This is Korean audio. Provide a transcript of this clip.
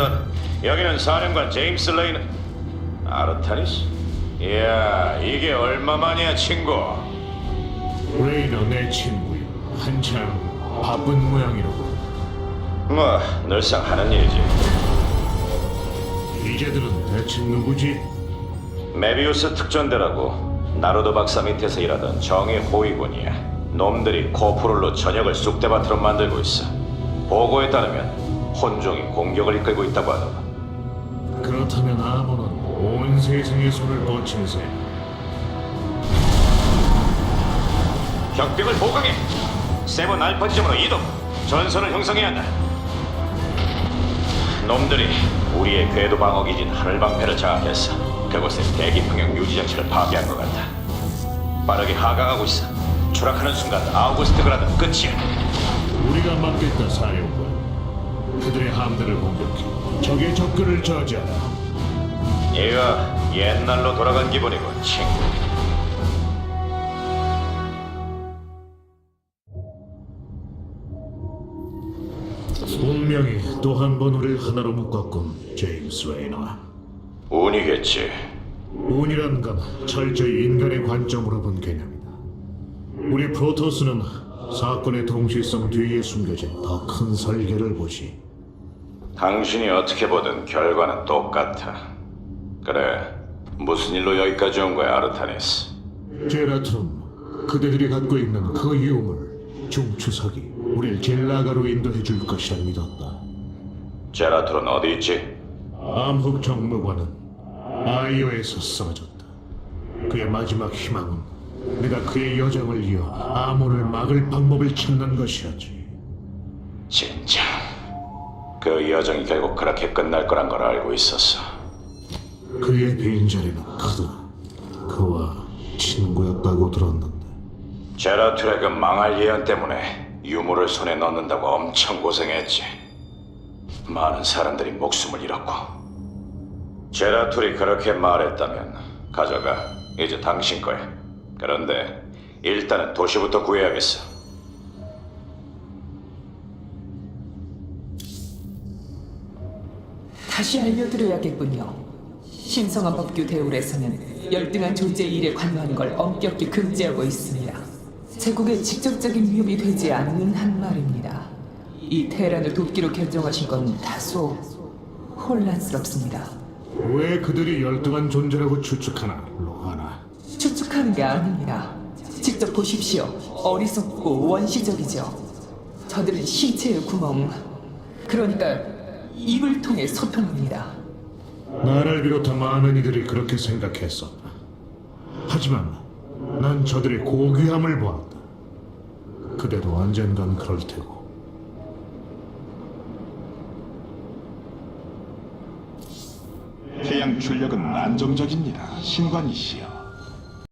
우선 여기는 사령관 제임스 레이너. 아르타니스? 이야, 이게 얼마만이야, 친구? 레이너 내 친구야. 한참 바쁜 모양이로군. 뭐 늘상 하는 일이지. 이제들은 대체 누구지? 메비우스 특전대라고 나루도 박사 밑에서 일하던 정의 호위군이야. 놈들이 코프룰로 전역을 쑥대밭으로 만들고 있어. 보고에 따르면 혼종이 공격을 이끌고 있다고 하더라. 그렇다면 아몬은 온 세상의 손을 뻗친 셈. 격벽을 보강해. 세븐 알파 지점으로 이동. 전선을 형성해야 한다. 놈들이 우리의 궤도 방어 기진 하늘방패를 장악했어. 그곳에 대기 평형 유지 장치를 파괴한 것 같아. 빠르게 하강하고 있어. 추락하는 순간 아우구스트 그라드는 끝이야. 우리가 막겠다, 사령관. 그들의 함대를 공격해 적의 접근을 저지하라. 얘가 옛날로 돌아간 기분이군, 친구. 운명이 또 한 번 우리를 하나로 묶었군, 제임스 레이너. 운이겠지. 운이란 건 철저히 인간의 관점으로 본 개념이다. 우리 프로토스는 사건의 동시성 뒤에 숨겨진 더 큰 설계를 보지. 당신이 어떻게 보든 결과는 똑같아. 그래, 무슨 일로 여기까지 온 거야, 아르타니스? 제라툼, 그대들이 갖고 있는 그 유물, 중추석이 우릴 젤라가로 인도해 줄 것이라 믿었다. 제라툴은 어디 있지? 암흑 정무관은 아이오에서 쓰러졌다. 그의 마지막 희망은 내가 그의 여정을 이어 아몬을 막을 방법을 찾는 것이었지. 진짜 그 여정이 결국 그렇게 끝날 거란 걸 알고 있었어. 그의 빈자리는 크다. 그와 친구였다고 들었는데. 제라툴의 그 망할 예언 때문에 유물을 손에 넣는다고 엄청 고생했지. 많은 사람들이 목숨을 잃었고. 제라툴이 그렇게 말했다면 가져가. 이제 당신 거야. 그런데 일단은 도시부터 구해야겠어. 다시 알려드려야겠군요. 신성한 법규 대울에서는 열등한 존재의 일에 관여하는 걸 엄격히 금지하고 있습니다. 제국에 직접적인 위협이 되지 않는 한 말입니다. 이 테란을 돕기로 결정하신 건 다소 혼란스럽습니다. 왜 그들이 열등한 존재라고 추측하나, 로하나? 추측하는 게 아닙니다. 직접 보십시오. 어리석고 원시적이죠. 저들은 신체의 구멍, 그러니까 입을 통해 소통합니다. 나를 비롯한 많은 이들이 그렇게 생각했었다. 하지만 난 저들의 고귀함을 보았다. 그대도 언젠간 그럴 테고. 태양 출력은 안정적입니다, 신관이시여.